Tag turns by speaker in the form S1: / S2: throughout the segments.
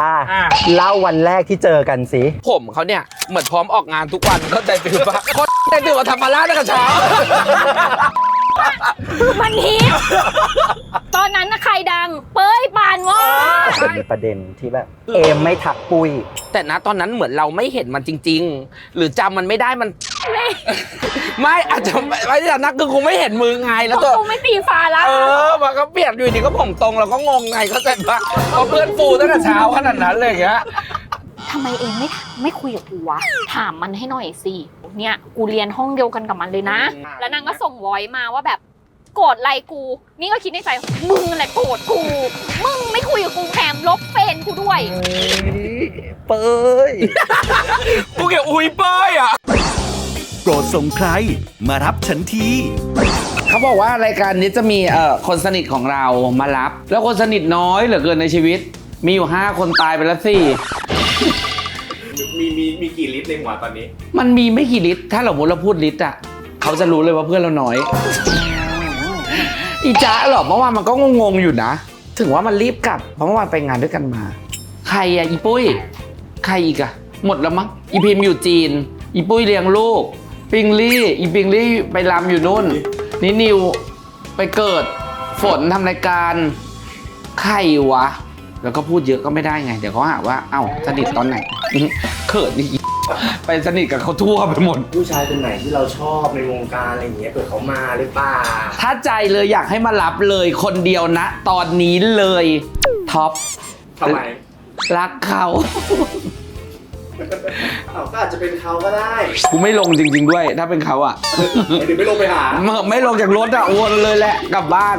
S1: เล่าวันแรกที่เจอกันสิ
S2: ผมเขาเนี่ยเหมือนพร้อมออกงานทุกวันก็ใจตื่นปะคนใจตื่นมาทำมาล่าตั้งแต่เช้า
S3: มันฮิตตอนนั้นนะใครดังเป้ยปานวะ
S1: มีประเด็นที่แบบเอมไม่ทักปุ้ย
S2: แต่นะตอนนั้นเหมือนเราไม่เห็นมันจริงๆหรือจำมันไม่ได้มันไม่อาจจะไม่ได้นักคือคงไม่เห็นมือไงแล้วตัว
S3: กูไม่ตีฟ้าแล้ว
S2: มันก็เปลี่ยนอยู่ดีก็ผมตรงเราก็งงไงเขาใจปะเพราะเพื่อนฟูตั้งแต่เช้าขนาดนั้นเลยอย่างเงี้ย
S3: ทำไมเองไม่คุยกับกูวะถามมันให้หน่อยสิเนี่ยกูเรียนห้องเดียวกันกับมันเลยนะแล้วนางก็ส่งวอยมาว่าแบบโกรธอะไรกูนี่ก็คิดในใจมึงแหละโกรธกูมึงไม่คุยกับกูแถมลบเฟนกูด้วย
S1: เป้ย
S2: กูเกี่ยวอุ้ยเป้ยอ่ะ
S4: โปรดส่งใครมารับฉันที
S2: เขาบอกว่ารายการนี้จะมีคนสนิทของเรามารับแล้วคนสนิทน้อยเหลือเกินในชีวิตมีอยู่5คนตายไปแล้ว4
S5: มีกี่ลิตรในหัวตอนนี้
S2: มันมีไม่กี่ลิตรถ้าเราพูดลิตรอ่ะเขาจะรู้เลยว่าเพื่อนเราน้อยอีจ๊ะหรอเมื่อวานมันก็งงๆอยู่นะถึงว่ามันรีบกลับเพราะเมื่อวานไปงานด้วยกันมาใครอ่ะอีปุ้ยใครอีกอ่ะหมดแล้วมั้งอีพิมอยู่จีนอีปุ้ยเลี้ยงลูกปิงลี่อีปิงลี่ไปรำอยู่นู่นนี่นิวไปเกิดฝนทำรายการใครวะแล้วก็พูดเยอะก็ไม่ได้ไงเดี๋ยวเขาหาว่าเอ้าสนิทตอนไหนเขินนี่ไปสนิทกับเขาทั่วไปหมด
S5: ผู้ชายคนไหนที่เราชอบในวงการอะไรอย่างเงี้ยเกิดเขามาหรือเปล่า
S2: ถ้าใจเลยอยากให้มารับเลยคนเดียวนะตอนนี้เลยท็อป
S5: ทำไม
S2: รักเขา
S5: ก็อาจจะเป็นเขาก็ได้
S2: กูไม่ลงจริงๆด้วยถ้าเป็นเขาอ่ะ
S5: เดี๋ยวไม่ลงไปหา
S2: ไม่ลงจากรถอ่ะวนเลยแหละกลับบ้าน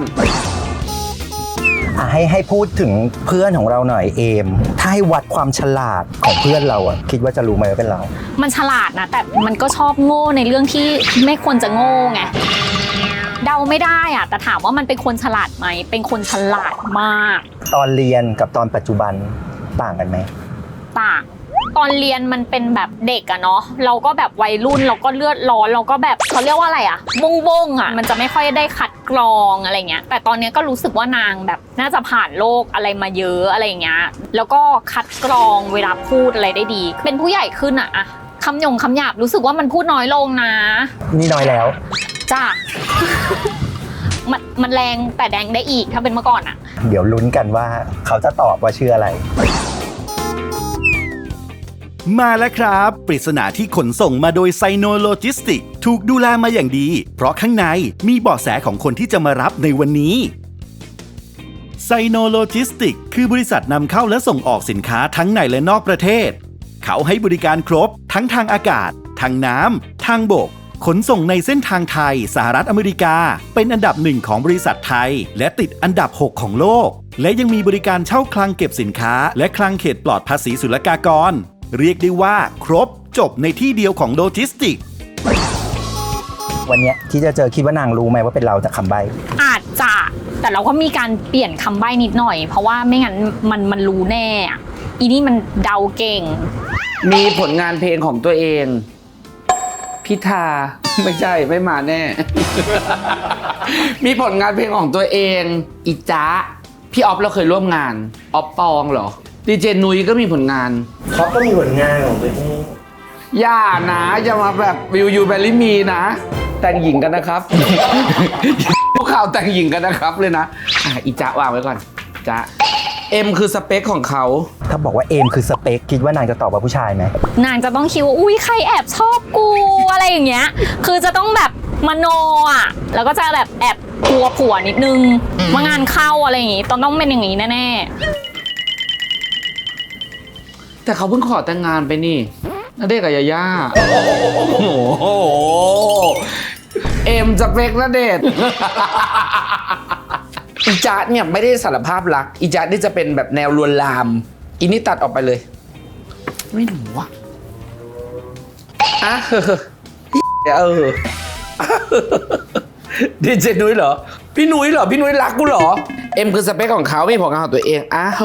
S1: ให้พูดถึงเพื่อนของเราหน่อยเอมถ้าให้วัดความฉลาดของเพื่อนเราอ่ะคิดว่าจะรู้ไหมว่าเป็นเรา
S3: มันฉลาดนะแต่มันก็ชอบโง่ในเรื่องที่ไม่ควรจะโง่ไงเดาไม่ได้อ่ะแต่ถามว่ามันเป็นคนฉลาดไหมเป็นคนฉลาดมาก
S1: ตอนเรียนกับตอนปัจจุบันต่างกันไหม
S3: ต่างตอนเรียนมันเป็นแบบเด็กอะเนาะเราก็แบบวัยรุ่นเราก็เลือดร้อนเราก็แบบเขาเรียกว่าอะไรอะบงอะมันจะไม่ค่อยได้คัดกรองอะไรเงี้ยแต่ตอนนี้ก็รู้สึกว่านางแบบน่าจะผ่านโลกอะไรมาเยอะอะไรเงี้ยแล้วก็คัดกรองเวลาพูดอะไรได้ดีเป็นผู้ใหญ่ขึ้นอะคำหยาบรู้สึกว่ามันพูดน้อยลงนะ
S1: นี่น้อยแล้ว
S3: จ้ามันแรงแต่แดงได้อีกถ้าเป็นเมื่อก่อนอะ
S1: เดี๋ยวลุ้นกันว่าเขาจะตอบว่าชื่ออะไร
S4: มาแล้วครับปริศนาที่ขนส่งมาโดยไซโนโลจิสติกถูกดูแลมาอย่างดีเพราะข้างในมีเบาะแสของคนที่จะมารับในวันนี้ไซโนโลจิสติกคือบริษัทนำเข้าและส่งออกสินค้าทั้งในและนอกประเทศเขาให้บริการครบทั้งทางอากาศทางน้ำทางบกขนส่งในเส้นทางไทยสหรัฐอเมริกาเป็นอันดับ1ของบริษัทไทยและติดอันดับ6ของโลกและยังมีบริการเช่าคลังเก็บสินค้าและคลังเขตปลอดภาษีศุลกากรเรียกได้ว่าครบจบในที่เดียวของโลจิสติก
S1: วันนี้ที่จะเจอคิดว่านางรู้ไหมว่าเป็นเราจากคำใบ้
S3: อาจจะแต่เราก็มีการเปลี่ยนคำใบ้นิดหน่อยเพราะว่าไม่งั้นมันรู้แน่อีนี่มันเดาเก่ง
S2: มีผลงานเพลงของตัวเองพิธาไม่ใช่ไม่มาแน่ มีผลงานเพลงของตัวเองอีจ๊ะพี่ออฟเราเคยร่วมงานออฟปองเหรอดีเจนุ้ยก็มีผลงาน
S5: เขาก็มีผลงานของตัวเอง
S2: อย่านะอย่ามาแบบวิวยูแบลลี่มีนะแต่งหญิงกันนะครับ พวกข่าวแต่งหญิงกันนะครับเลยนะอีจ๊ะวางไว้ก่อนจ๊ะเอ็มคือสเปคของเขา
S1: ถ้าบอกว่าเอ็มคือสเปคคิดว่านางจะตอบว่าผู้ชายไหม
S3: นางจะต้องคิดว่าอุ้ยใครแอบชอบกูอะไรอย่างเงี้ยคือจะต้องแบบมโนอ่ะแล้วก็จะแบบแอบกลัวผัวนิดนึงว่างานเข้าอะไรอย่างงี้ต้องเป็นอย่างงี้แน่
S2: แต่เขาเพิ่งขอแต่งงานไปนี่ณเดชน์กับยาย่าโอ้โหเอ็มสเปคณเดชน์อีจ๊ะเนี่ยไม่ได้สารภาพรักอีจ๊ะนี่จะเป็นแบบแนวลวนลามอีนี่ตัดออกไปเลยไม่รู้ว่ะดีเจนุ้ยเหรอพี่นุ้ยเหรอพี่นุ้ยรักกูเหรอเอ็มคือสเปคของเขาไม่ผลงานของตัวเอง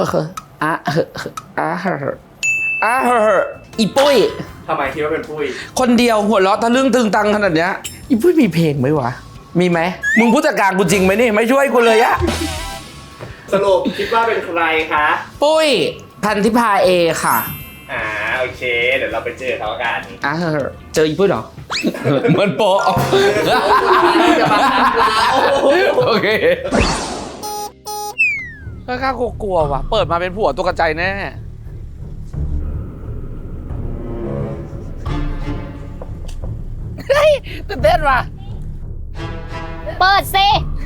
S2: อีปุ้ย
S5: ทำไมคิดว่าเป็นปุ้ย
S2: คนเดียวหัวเราะทะลึ่งตึงตังขนาดเนี้ยอีปุ้ยมีเพลงไหมวะมีไหมมึงผู้จัดการกูจริงไหมนี่ไม่ช่วยกูเลยอะ
S5: สรุปคิดว่าเป็นใครคะ
S2: ปุ้ยพันธิพาเอค่ะ
S5: โอเค เดี๋ยวเราไปเจอเขากัน
S2: เจออีปุ้ยเหรอ เหมือนโปะโอเคก็กล้ากลัวว่ะ เปิดมาเป็นผัวตัวกระจายแน่เฮ้ยตื่นเต้นว่ะ
S3: เปิดสิ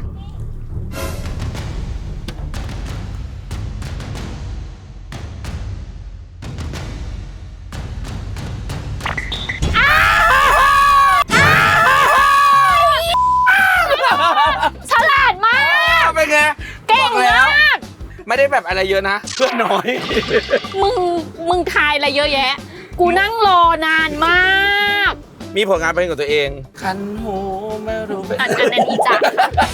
S3: ฉลาดมาก
S2: เป็นไง
S3: เก่ง
S2: บอกแล้ว
S3: มาก
S2: ไม่ได้แบบอะไรเยอะนะ เพื่อนน้อย
S3: มึงทายอะไรเยอะแยะ กูนั่งรอนานมาก
S2: มีผลงานเป็นของตัวเอง คันหูไม่รู้เป็น
S3: อันนั้นอีจัก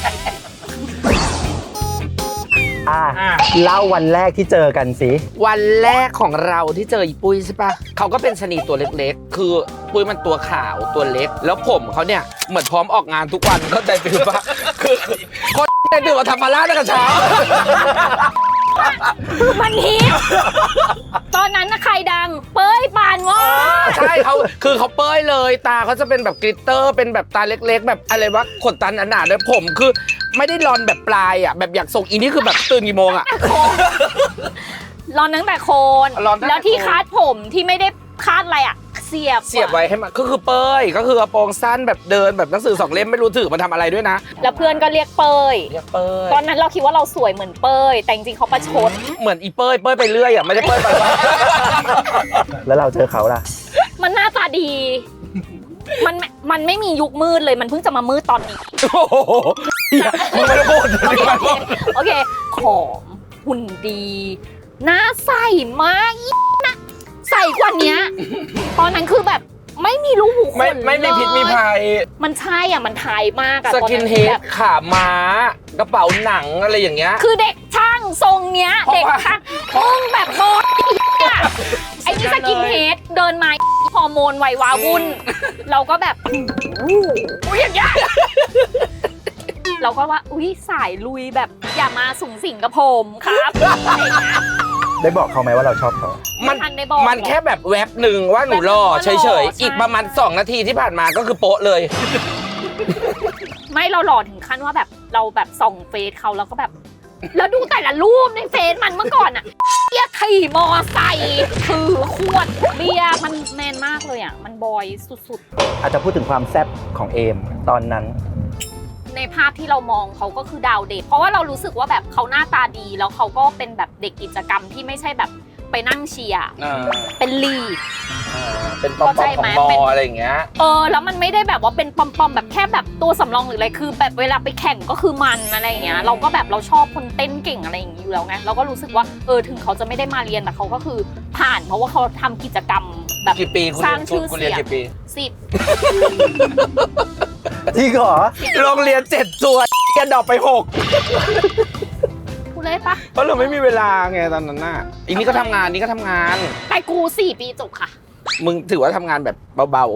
S1: เล่าวันแรกที่เจอกันสิ
S2: วันแรกของเราที่เจออีปุ้ยใช่ปะเขาก็เป็นชะนีตัวเล็กๆ คือปุ้ยมันตัวขาวตัวเล็ก แล้วผมเขาเนี่ยเหมือนพร้อมออกงานทุกวันเข้าใจฟิลปะคือคนได้ดื่มมาทำมาล่าตั้งแต่เช้า
S3: มันฮิตตอนนั้นนะใครดัง เป้ยปานวาด
S2: ใช่เขาคือเขาเป้ยเลยตาเขาจะเป็นแบบกลิตเตอร์เป็นแบบตาเล็กๆ แบบอะไรวะขนตาหนาๆเลยผมคือไม่ได้รอนแบบปลายอ่ะแบบอยากส่งอีนี่คือแบบตื่นกี่โมงอ่ะ
S3: รอนตั้งแต่โคน
S2: รอนตั้งแต่
S3: แล้วที่คาดผมที่ไม่ได้คาดอะไรอ่ะ เสียบ
S2: ไว้ให้มันก็คือเป้ยก็คือกระโปรงสั้นแบบเดินแบบหนังสือ2 เล่มไม่รู้ถือมาทำอะไรด้วยนะ
S3: แล้วเพื่อนก็เรียกเป้ย
S2: เรียกเป้ย
S3: ตอนนั้นเราคิดว่าเราสวยเหมือนเป้ย แต่จริงๆเขาประชด
S2: เหมือนอีเป้ยไปเรื่อยอ่ะไม่ได้เป้ยไป
S1: แล้วเราเจอเขาล่ะ
S3: มันหน้าตาดี มันไม่มียุคมืดเลย มันเพิ่งจะมามืดตอนนี้
S2: โอ้โหมึงไม่ได้พูด
S3: โอเคผอมหุ่นดี หน้าใสมากอีนะใสกว่าเนี้ย ตอนนั้นคือแบบไม่มีรูหูขน
S2: ไม่มีพิษมีภัย
S3: มันใช่อ่ะ มันไทยมากอะ
S2: ส
S3: ตอน
S2: กิน
S3: นั้น
S2: เฮ
S3: แบ
S2: ด
S3: บ
S2: ขาม้ากระเป๋าหนังอะไรอย่างเงี้ย
S3: คือเด็กช่างทรงเนี้ย
S2: เพราะ
S3: เด็ก
S2: ว่า
S3: ช่างมึงแบบโมดอะไอ้นี่สกินเฮดเดินมาฮอร์โมนวัยวาวุ่น เราก็แบบอุ้ยอย่างเงี้ยเราก็ว่าอุ้ยสายลุยแบบอย่ามาสูงสิงกับผมครับอะไรอย่างเงี้ย
S1: ได้บอกเขาไหมว่าเราชอบเขา
S2: มัน
S3: ทันได้บอก
S2: มันแค่แบบแวบหนึ่งว่าหนูหล่อ
S3: แวบหนึ่งว่าหล่อ
S2: เฉย
S3: ใช่
S2: ๆ อีกประมาณ2 นาทีที่ผ่านมาก็คือโป๊ะเลย
S3: ไม่เราหล่อถึงขั้นว่าแบบเราแบบส่องเฟซเขาแล้วก็แบบ แล้วดูแต่ละรูปในเฟซมันเมื่อก่อนอะเบียร์ขี่มอไซค์ถือขวดเบียร์มันแมนมากเลยอะมันบอยสุด
S1: อาจจะพูดถึงความแซ่บของเอมตอนนั้น
S3: ๆในภาพที่เรามองเขาก็คือดาวเด็กเพราะว่าเรารู้สึกว่าแบบเขาหน้าตาดีแล้วเขาก็เป็นแบบเด็กกิจกรรมที่ไม่ใช่แบบไปนั่งเชียร์เป็นลีด
S2: เป็นปอม
S3: เข้าใจ
S2: ๆข
S3: ไหม
S2: องบ
S3: เป็น
S2: ออะไรอย่างเงี้ย
S3: แล้วมันไม่ได้แบบว่าเป็นปอมๆแบบแค่แบบตัวสำรองหรืออะไรคือแบบเวลาไปแข่งก็คือมันอะไรอย่างเงี้ยเราก็แบบเราชอบคนเต้นเก่งอะไรอย่างงี้อยู่แล้วไงเราก็รู้สึกว่าถึงเขาจะไม่ได้มาเรียนแต่เขาก็คือผ่านเพราะว่าเขาทำกิจกรรมแบบ
S2: กี่ปีคุณ
S3: สร้างชื่อ
S2: คุณเรี
S3: เสี
S2: ยน
S3: ยง
S2: กี่ปี
S3: 10
S1: จริงเหรอ
S2: โรงเรียน7 ตัวเรียนดอกไป 6
S3: พูดเลยปะ
S2: เพราะเราไม่มีเวลาไงตอนนั้นน่ะอีนี่ก็ทำงานนี่ก็ทำงาน
S3: แต่กู4 ปีจบค่ะ
S2: มึงถือว่าทำงานแบบเบา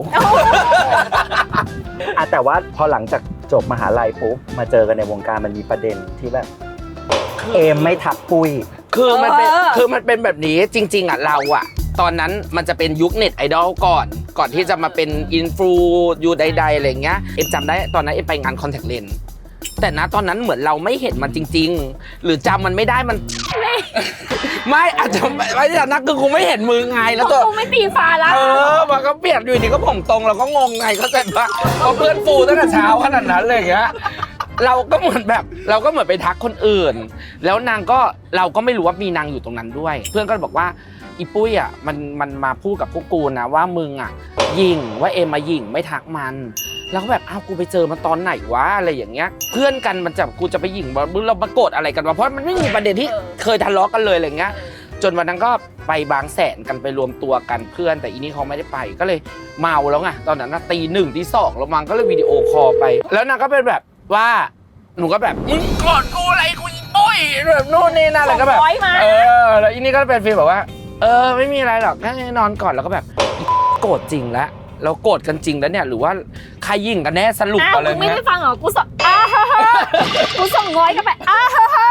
S1: แต่ว่าพอหลังจากจบมหาลัยปุ๊บมาเจอกันในวงการมันมีประเด็นที่แบบ เอมไม่ทักปุ้ย
S2: ๆ คือมันเป็นแบบนี้จริง ๆอ่ะเราอ่ะ ตอนนั้นมันจะเป็นยุคเน็ตไอดอลก่อนที่จะมาเป็นอินฟลูอยู่ใดๆอะไรเงี้ยเอ็มจำได้ตอนนั้นเอ็มไปงานคอนแทคเลนส์แต่นะตอนนั้นเหมือนเราไม่เห็นมันจริง ๆ หรือจำมันไม่ได้มัน ไม่อาจจะไม่ได้นักคือคงไม่เห็นมือไงแล้วตัว
S3: กูไม่ตีฟ้าละ
S2: มันก็เปลี่ยนอยู่ดีก็ผมตรงเราก็งงไงเข้าใจปะเพราะเพื่อนฟูตั้งแต่เช้าขนาดนั้นเลยอย่างเงี้ยเราก็เหมือนไปทักคนอื่น แล้วนางก็เราก็ไม่รู้ว่ามีนางอยู่ตรงนั้นด้วย เพื่อนก็บอกว่าอีปุ้ยอ่ะมันมาพูดกับพวกกูนะว่ามึงอ่ะยิงว่าเอ็มมายิงไม่ทักมันแล้วก็แบบอ้าวกูไปเจอมันตอนไหนวะอะไรอย่างเงี้ยเพื่อนกันมันจะกูจะไปยิงเรามาโกรธอะไรกันวะเพราะมันไม่มีประเด็นที่เคยทะเลาะกันเลยอะไรเงี้ยจนวันนั้นก็ไปบางแสนกันไปรวมตัวกันเพื่อนแต่อีนี่เขาไม่ได้ไปก็เลยเมาแล้วไงตอนนั้นนะตี 1 ตี 2แล้วมันก็เลยวิดีโอคอลไปแล้วนางก็เป็นแบบว่าหนูก็แบบมึงโกรธกูอะไรกูยิงปุ้ยแบบนู่นนี่นั่นอะไรก็แบบ
S3: 200มา
S2: แล้วอีนี่ก็เป็นฟีลแบบว่าไม่มีอะไรหรอกแค่นอนก่อนแล้วก็แบบโกรธจริงแล้วเราโกรธกันจริงแล้วเนี่ยหรือว่าใครยิงกันแน่สรุปอะไร
S3: มึงไม่
S2: เงี้
S3: ได้
S2: ย
S3: ฟังเหรอกูส่งกูส่งง้อยก็ไป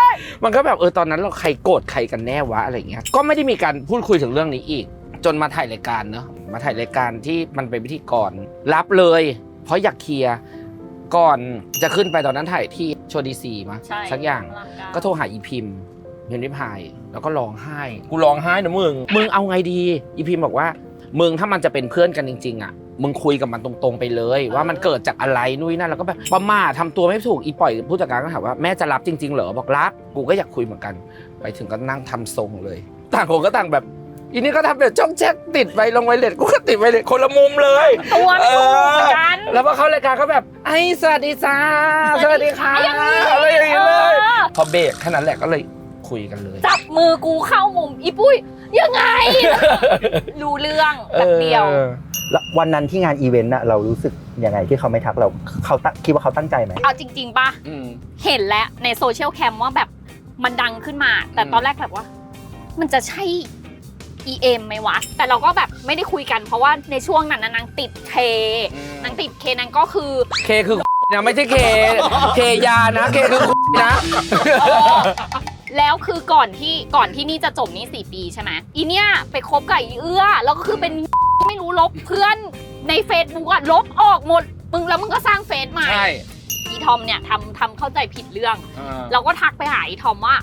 S2: มันก็แบบตอนนั้นเราใครโกรธใครกันแน่วะอะไรเงี้ยก็ไม่ได้มีการพูดคุยถึงเรื่องนี้อีก จนมาถ่ายรายการเนอะมาถ่ายรายการที่มันเป็นพิธีกรรับเลย เพราะอยากเคลียร์ก่อนจะขึ้นไปตอนนั้นถ่ายที่โชว์ดีซีมา
S3: ใช่
S2: สักอย่าง
S3: อลังาร
S2: ก็โทรหาอีพิมพ์พิพายแล้วก็ร้องไห้กูร้องไห้นะมึงเอาไงดีอีพิมพ์บอกว่ามึงถ้ามันจะเป็นเพื่อนกันจริงๆอ่ะมึงคุยกับมันตรงๆไปเลย ว่ามันเกิดจากอะไรนู่นนั่นแล้วก็แบบประมาททำตัวไม่ถูกอีปล่อยผู้จัดการก็ถามว่าแม่จะรับจริงๆเหรอบอกรับกูก็อยากคุยเหมือนกันไปถึงก็นั่งทำทรงเลยต่างคนก็ต่างแบบอีนี่ก็ทำแบบจ้องแจ๊กติดไวลงไวเลสกูก็ติดไวเลสคนละมุมเลย
S3: ตัวไม่ถูกเหมือนกัน
S2: แล้วพอเข้ารายการก็แบบไอ้สวัสดีจ้าสวัสดีค่ะอะไรอย่างนี้เลยพอเบรกแค่นั้นแหละก็เลยคุยกันเลย
S3: จับมือกูเข้ามุมอีปุ้ยยังไง รู้เรื่องแบบเดียว
S1: แล้ววันนั้นที่งานอีเวนต์น่ะเรารู้สึกยังไงที่เขาไม่ทักเราเขาคิดว่าเขาตั้งใจไหม
S3: เอาจริงๆป่ะ เห็นแล้วในโซเชียลแคมว่าแบบมันดังขึ้นมา แต่ตอนแรกแบบว่า มันจะใช่ EM ไหมวะ แต่เราก็แบบไม่ได้คุยกันเพราะว่าในช่วงนั้นนางติดเคนางติดเคนางก็คือ
S2: เคคือนะไม่ใช่เคยานะเคคือนะ
S3: แล้วคือก่อนที่นี่จะจบนี่4 ปีใช่ไหมอีเนี่ยไปคบกับอีเอื้อแล้วก็คือเป็น ไม่รู้ลบเพื่อนใน Facebook อะลบออกหมดแล้วมึงก็สร้างเฟซใหม่
S2: ใช่
S3: อีทอมเนี่ยทำเข้าใจผิดเรื่อง เราก็ทักไปหาอีทอมว่า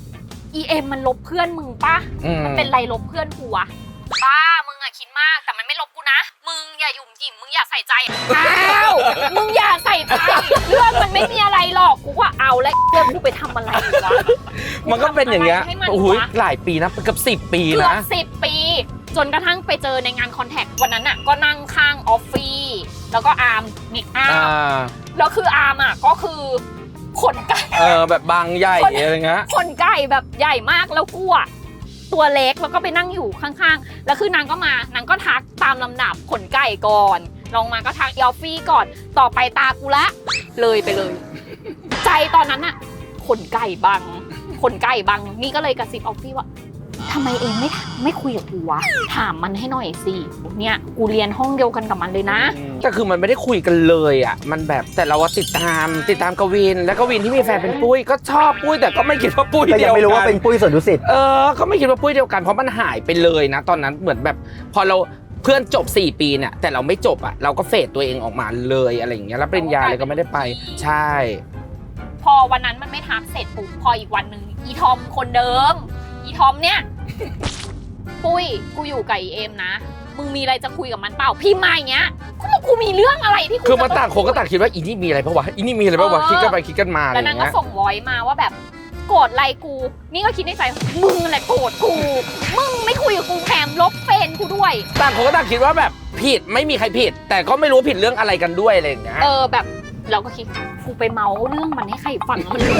S3: EM มันลบเพื่อนมึงป่ะมันเป็นไรลบเพื่อนกูวะป้ามึงอะคิดมากแต่มันไม่ลบกูนะมึงอย่าหยุ่มหยิมมึงอย่าใส่ใจอ้าวมึงอย่าใส่ใจเรื่องมันไม่มีอะไรหรอกกูว่าเอาแล้วเรื่องกูไปทำอะไรวะ
S2: มันก็เป็นอย่างเงี้ย
S3: ให้มัน
S2: โอ้โห
S3: วะ
S2: หลายปีนะเกือบ10 ปี
S3: เกือ
S2: นะ
S3: บ10 ปี จนกระทั่งไปเจอในงานคอนแทควันนั้นอ่ะก็นั่งข้างออฟฟี่แล้วก็อาร์มนิกอาร์มแล้วคืออาร์มอ่ะก็คือขนไก่
S2: แบบบางใหญ่อะไรเงี้ย
S3: ขนไก่แบบใหญ่มากแล้วกูอ่ะตัวเล็กแล้วก็ไปนั่งอยู่ข้างๆแล้วคือนางก็ทักตามลำดับขนไก่ก่อนลงมาก็ทักออฟฟี่ก่อนต่อไปตากูละเลยไปเลย ใจตอนนั้นอ่ะขนไก่บังนี่ก็เลยกระซิบออฟฟี่ว่าทำไมเองไม่คุยกับกูวะถามมันให้หน่อยสิเนี่ยกูเรียนห้องเดียวกันกับมันเลยนะ
S2: ก็คือมันไม่ได้คุยกันเลยอ่ะมันแบบแต่เราติดตามกวินแล้วกวินที่มีแฟนเป็นปุ้ยก็ชอบปุ้ยแต่ก็ไม่คิดว่าปุ้ย
S1: ก็
S2: เดี
S1: ยั
S2: ยว
S1: งไม่รู้ว่าเป็นปุ้ยสวนดุสิต
S2: ก็ไม่คิดว่าปุ้ยเดียวกันเพราะมันหายไปเลยนะตอนนั้นเหมือนแบบพอเราเพื่อนจบ4 ปีเนี่ยแต่เราไม่จบอ่ะเราก็เฟดตัวเองออกมาเลยอะไรอย่างเงี้ยแล้วปริญญาอะไรก็ไม่ได้ไปใช่
S3: พอวันนั้นมันไม่ทักเสร็จปุ๊บพออีกวันหนึ่งอีทอมคนเดิมอีทอมเนี่ย ปุ้ยกูอยู่กับอีเอ็มนะมึงมีอะไรจะคุยกับมันเปล่าพี่มาอย่างเงี้ยกูมีเรื่องอะไรที่กู
S2: คือมาต่างคนก็ต่างคิดว่าอีนี่มีอะไรปะวะอีนี่มีอะไรปะวะคิดกันไปคิดกันมาอะไร
S3: แล้ว
S2: อน
S3: าง
S2: ย่าง
S3: ก็
S2: เงี้ย
S3: ส่งวอยมาว่าแบบโกรธอะไรกู นี่ก็คิดในใจมึงแหละโกรธกูมึงไม่คุยกับกูแถมลบเฟนกูด้วย
S2: ต่างคนก็ต่างคิดว่าแบบผิดไม่มีใครผิด แต่ก็ไม่รู้ผิดเรื่องอะไรกันด้วยอะไรอย่างเงี้ย
S3: แบบเราก็คิดกูไปเมาเรื่องมันให้ใครฟังมัน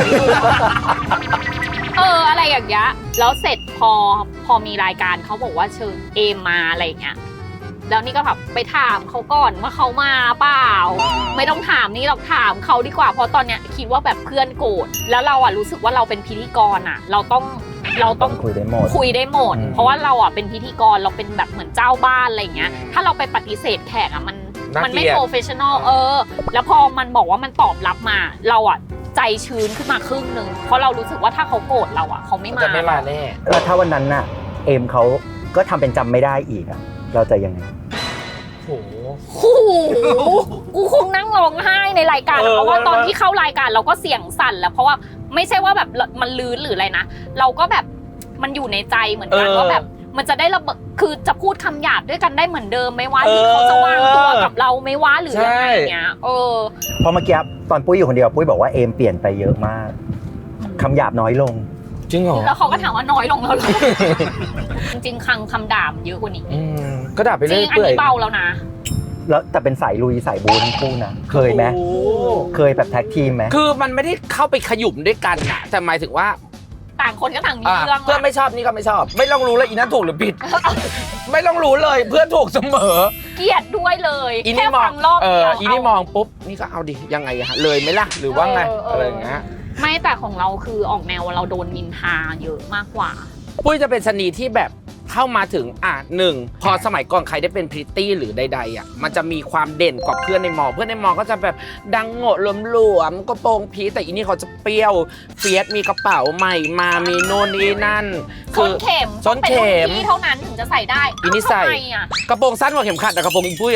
S3: อะไรอย่างเงี้ยแล้วเสร็จพอมีรายการเขาบอกว่าเชิญเอมมาอะไรอย่างเงี้ยแล้วนี่ก็แบบไปถามเขาก่อนว่าเขามาเปล่าไม่ต้องถามนี่เราถามเขาดีกว่าเพราะตอนเนี้ยคิดว่าแบบเพื่อนโกรธแล้วเราอ่ะรู้สึกว่าเราเป็นพิธีกรอ่ะเราต้อง
S1: คุยได้หมด
S3: เพราะว่าเราอ่ะเป็นพิธีกรเราเป็นแบบเหมือนเจ้าบ้านอะไรอย่างเงี้ยถ้าเราไปปฏิเสธแขกอ่ะมันไม่โปรเฟชชั่นอลแล้วพอมันบอกว่ามันตอบรับมาเราอ่ะใจชื้นขึ้นมาครึ่งนึงเพราะเรารู้สึกว่าถ้าเขาโกรธเราอ่ะเขาไม่มา
S2: จะไม่มาแน่
S1: แล้วถ้าวันนั้นน่ะเอมเขาก็ทำเป็นจำไม่ได้อีกอะเราจะยังไง
S2: โอ้โห
S3: โอ้โหกูคงนั่งร้องไห้ในรายการเพราะว่าตอนที่เข้ารายการเราก็เสียงสั่นแล้วเพราะว่าไม่ใช่ว่าแบบมันลื้นหรืออะไรนะเราก็แบบมันอยู่ในใจเหมือนกันว่าแบบมันจะได้ระเบิดคือจะพูดคำหยาบด้วยกันได้เหมือนเดิมไหมวะที่เขาจะวางตัวกับเราไหมวะหรือยังไงเงี้ย
S1: เพราะเมื่อกี้ตอนปุ้ยอยู่คนเดียวปุ้ยบอกว่าเอมเปลี่ยนไปเยอะมากคำหยาบน้อยลง
S2: จริงเหรอ
S3: แล้วเขาก็ถามว่าน้อยลงแล้วหรอ จริงๆคำด่ามันเยอะกว่านี้
S2: ก็ด่าไป
S3: จ
S2: เรื่
S3: ริ
S2: อย
S3: งอันนี้เบาแล้วนะ
S1: แล้วแต่เป็นสายลุยสายบูทั้งคู่นะเคยไหมเคยแบบแท็กทีมไหม
S2: คือมันไม่ได้เข้าไปขยุ่มด้วยกันนะแต่หมายถึงว่า
S3: ต่างคนก็ต่างมีเรื่อง
S2: เพื่อนไม่ชอบนี่ก็ไม่ชอบ ไม่ต้องรู้เลยอีนั้นถูกหรือผิด ไม่ต้องรู้เลยเพื่อนถูกเสมอ
S3: เกลียดด้วยเลย
S2: อี
S3: แค่
S2: นี่มอ
S3: ฟั
S2: ง
S3: งรอบเดียว
S2: อีนี่มองปุ๊บนี่ก็เอาดิยังไงอะเลยไหมล่ะหรือว่าไงอะไรอย่างเงี้ย
S3: ไม่แต่ของเราคือออกแนวเราโดนนินทาเยอะมากกว่า
S2: ปุ้ยจะเป็นชนีที่แบบทเข้ามาถึงหนึ่งพอสมัยก่อนใครได้เป็นพริตตี้หรือใดๆมันจะมีความเด่นกว่าเพื่อนในมอเพื่อนในมอก็จะแบบดังโง่หลวมๆก็โปรงพีแต่อีนี่เขาจะเปรี้ยวเฟียสมีกระเป๋าใหม่มามีโน่นนี่นั่น
S3: ส้นเข็ม
S2: ส้นเข็ม
S3: เป็นรุ่นพี่เท่านั้นถึงจะใส่ได้
S2: อีนี่ใส่
S3: ทำไมอ่ะ
S2: กระโปรงสั้นกว่าเข็มขัดแต่กระโปรงอีปุ้ย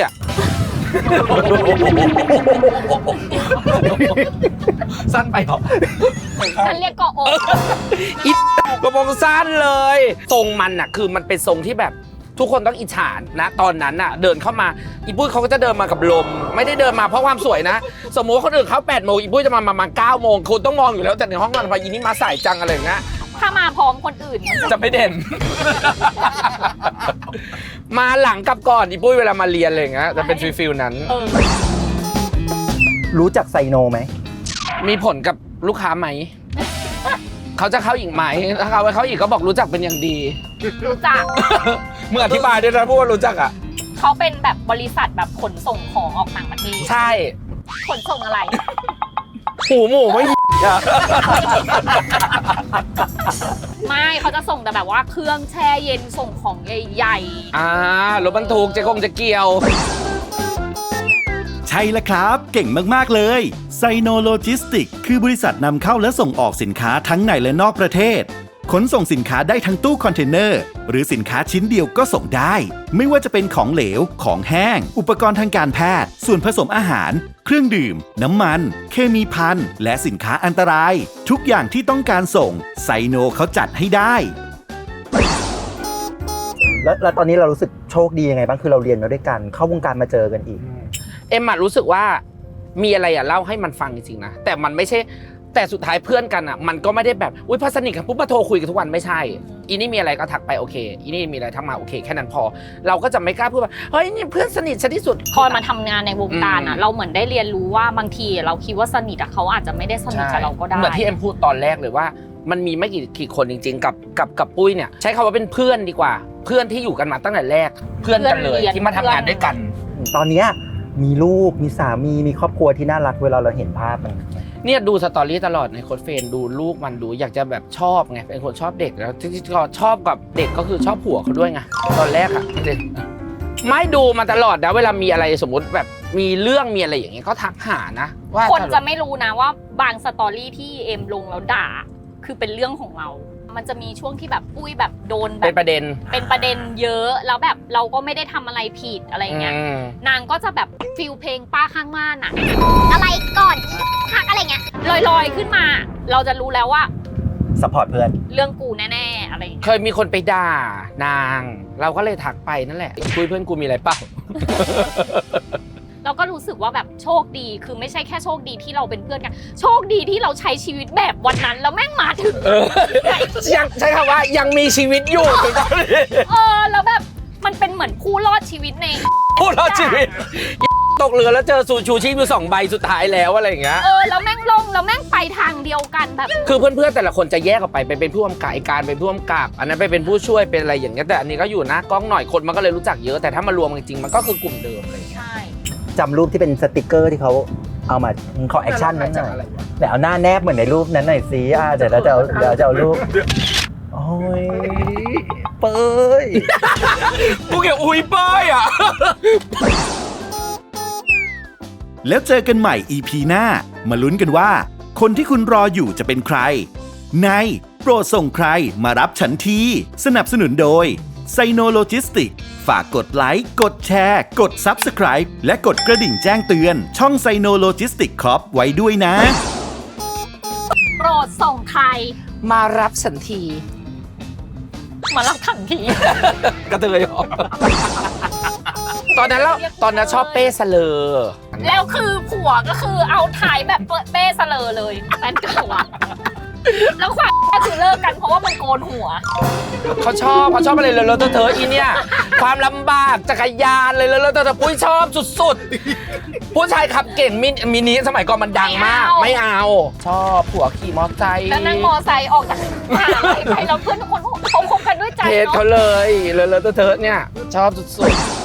S2: สั้นไปหรอ
S3: ฉันเรียกกออก
S2: อีกระโปรงสั้นเลยทรงมันคือมันเป็นทรงที่แบบทุกคนต้องอิจฉานะตอนนั้นเดินเข้ามาอีปุ้ยเขาก็จะเดินมากับลมไม่ได้เดินมาเพราะความสวยนะสมมติว่าคนอื่นเขา8 โมงอีปุ้ยจะมาประมาณ9 โมงคุณต้องมองอยู่แล้วแต่ในห้องนอนพออีนี่มาสายจังอะไรอย่างเงี้ย
S3: ถ้ามาพร้อมคนอื่นมันจะ
S2: จะไม่เด่น มาหลังกับก่อนอีปุ้ยเวลามาเรียนอะไรอย่างเงี้ยจะเป็นฟิลนั้น
S1: รู้จักไซโนไหม
S2: มีผลกับลูกค้าไหม เขาจะเข้าอีกไหมถ้าเขาไปเข้าอีกก็บอกรู้จักเป็นอย่างดี
S3: รู้จัก
S2: เมื่ออธิบายด้วยนะพูดว่ารู้จักอ่ะ
S3: เขาเป็นแบบบริษัทแบบขนส่งของออกต่างประเทศ
S2: ใช่
S3: ขนส่งอะไร
S2: หูหมูไม่
S3: ไม่เขาจะส่งแต่แบบว่าเครื่องแช่เย็นส่งของใหญ่
S2: รถบรรทุกจะเกี่ยว
S4: ใช่แล้วครับ เก่งมาก ๆ เลยไซโนโลจิสติกคือบริษัทนำเข้าและส่งออกสินค้าทั้งในและนอกประเทศ ขนส่งสินค้าได้ทั้งตู้คอนเทนเนอร์หรือสินค้าชิ้นเดียวก็ส่งได้ ไม่ว่าจะเป็นของเหลว ของแห้ง อุปกรณ์ทางการแพทย์ ส่วนผสมอาหาร เครื่องดื่ม น้ำมัน เคมีภัณฑ์และสินค้าอันตราย ทุกอย่างที่ต้องการส่งไซโนเขาจัดให้ได้
S1: แล้วตอนนี้เรารู้สึกโชคดียังไงบ้างคือเราเรียนมาด้วยกันเข้าวงการมาเจอกันอีก
S2: เอ็มรู้สึกว่ามีอะไรเล่าให้มันฟังจริงๆนะแต่มันไม่ใช่แต่สุดท้ายเพื่อนกันมันก็ไม่ได้แบบอุ้ยพอสนิทกันปุ๊บมาโทรคุยกันทุกวันไม่ใช่อีนี่มีอะไรก็ทักไปโอเคอีนี่มีอะไรทักมาโอเคแค่นั้นพอเราก็จะไม่กล้าพูดว่าเฮ้ยนี่เพื่อนสนิทฉันที่สุด
S3: ๆพอมาทำงานในวงการเราเหมือนได้เรียนรู้ว่าบางทีเราคิดว่าสนิทเขาอาจจะไม่ได้สนิทกับเราก็ได้
S2: เหมือนที่เอ็มพูดตอนแรกเลยว่ามันมีไม่กี่คนจริงๆกับปุ้ยเนี่ยใช้คำว่าเป็นเพื่อนดีกว่าเพื่อนที่อยู่กันมาตั้งแต่แรกเพื่อนกันเลยที่มาทำงานด้วยกัน
S1: ตอนเนี้ยมีลูกมีสามีมีครอบครัวที่น่ารักเวลาเราเห็นภาพมัน
S2: เนี่ยดูสตอรี่ตลอดในโค้ดเฟรนดูลูกมันดูอยากจะแบบชอบไงเป็นคนชอบเด็กแล้วที่ชอบกับเด็กก็คือชอบผัวเขาด้วยไงตอนแรกอะไม่ดูมาตลอดนะเวลามีอะไรสมมติแบบมีเรื่องมีอะไรอย่างเงี้ยก็ทักหานะว่า
S3: คนจะไม่รู้นะว่าบางสตอรี่ที่เอ็มลงแล้วด่าคือเป็นเรื่องของเรา มันจะมีช่วงที่แบบปุ้ยแบบโดนแบบ
S2: เป็นประเด็น
S3: เยอะแล้วแบบเราก็ไม่ได้ทำอะไรผิดอะไรเงี้ยนางก็จะแบบฟิลเพลงป้าข้างบ้านอะอะไรก่อนทักอะไรเงี้ยลอยๆขึ้นมา เราจะรู้แล้วว่า
S1: ซัพพอร์ตเพื่อน
S3: เรื่องกูแน่ๆอะไรเงี้ย
S2: เคยมีคนไปด่านางเราก็เลยทักไปนั่นแหละคุยเพื่อนกูมีอะไรเปล่า
S3: เราก็รู้สึกว่าแบบโชคดีคือไม่ใช่แค่โชคดีที่เราเป็นเพื่อนกันโชคดีที่เราใช้ชีวิตแบบวันนั้นแล้วแม่งมาถึง
S2: ยังใช้คำว่ายังมีชีวิตอยู่ถึงตอนนี้
S3: แล้วแบบมันเป็นเหมือนผู้รอดชีวิตใน
S2: ผู้รอดชีวิตตกเรือแล้วเจอชูชีพอยู่2 ใบสุดท้ายแล้วอะไรอย่างเงี้ย
S3: แล้วแม่งลงแล้วแม่งไปทางเดียวกันแบบ
S2: คือเพื่อนๆแต่ละคนจะแยกออกไปเป็นผู้กำกับการเป็นผู้กำกับอันนั้นไปเป็นผู้ช่วยเป็นอะไรอย่างเงี้ยแต่อันนี้ก็อยู่หน้ากล้องหน่อยคนมันก็เลยรู้จักเยอะแต่ถ้ามารวมจริงๆมันก็คือกลุ่มเดิมเลย
S3: ใช่
S1: จำรูปที่เป็นสติกเกอร์ที่เขาเอามาขอแอคชั่นนั้นหน่อยแต่เอาหน้าแนบเหมือนในรูปนั้นหน่อยสิเดี๋ยวเราจะเอารูปโอ้ยเป้ย
S2: กูเกี่ยวอุ้ยเป้ยอ่ะ
S4: แล้วเจอกันใหม่ EP หน้ามาลุ้นกันว่า คนที่คุณรออยู่จะเป็นใคร ในโปรดส่งใครมารับฉันทีสนับสนุนโดยไซโนโลจิสติกฝากกดไลค์กดแชร์กด Subscribe และกดกระดิ่งแจ้งเตือนช่องไซโนโลจิสติกครับไว้ด้วยนะ
S3: โปรดส่งใคร
S2: มารับสันที
S3: มารับทันที
S2: กระเทยออกตอนนั้นชอบเป้สเลอ
S3: แล้วคือผัวก็คือเอาถ่ายแบบเป้สเลอเลยแฟนเก่าอะแล้วความก็คือเลิกกันเพราะว่ามันโกนหัว
S2: เขาชอบอะไรเลยแล้วเธออีเนี่ยความลำบากจักรยานเลยแล้วเธอปุ้ยชอบสุดๆผู้ชายขับเก่งมินิสมัยก่อนมันดังมากไม่เอาชอบผัวขี่มอเตอร์ไซค์
S3: แล้วนั่งมอไซค์ออกจากมหาลัยไปแล้วเพื่อนทุกคนเขาคบกันด้วยใจ
S2: เพจ
S3: เนาะ
S2: เขาเลยแล้วเธอเนี่ยชอบสุดๆ